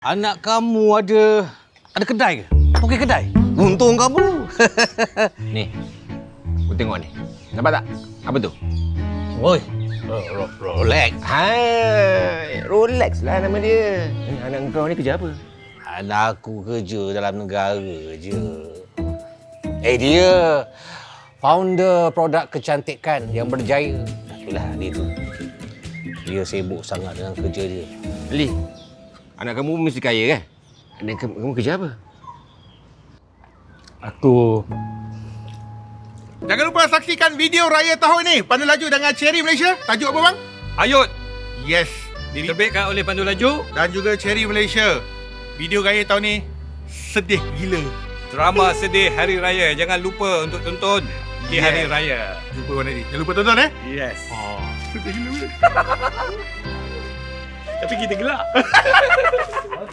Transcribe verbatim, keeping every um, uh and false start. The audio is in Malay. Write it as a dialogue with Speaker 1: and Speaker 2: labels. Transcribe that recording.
Speaker 1: Anak kamu ada ada kedai ke? Okey kedai. Untung kamu.
Speaker 2: Ni. Kau tengok ni. Nampak tak? Apa tu?
Speaker 1: Oi. Rolex.
Speaker 2: Hai, Rolex lah nama dia. Ni anak kau ni kerja apa?
Speaker 1: Anak aku kerja dalam negara je. Eh dia founder produk kecantikan yang berjaya. Itulah dia tu. Dia sibuk sangat dengan kerja dia.
Speaker 2: Ali, anak kamu mesti kaya kan? Anak kamu, kamu kerja apa?
Speaker 3: Aku
Speaker 4: Jangan lupa saksikan video raya tahun ini Pandu Laju dengan Cherry Malaysia. Tajuk apa bang?
Speaker 3: Ayut
Speaker 4: Yes. Diri-
Speaker 3: diterbitkan oleh Pandu Laju,
Speaker 4: Dan juga Cherry Malaysia. Video raya tahun ini sedih gila.
Speaker 3: drama sedih Hari Raya. Jangan lupa untuk tonton di
Speaker 4: Yeah.
Speaker 3: Hari Raya.
Speaker 4: Jumpa mana ni? Jangan lupa tonton eh.
Speaker 3: Yes.
Speaker 4: Oh, sedih gila.
Speaker 3: Tapi kita gelak.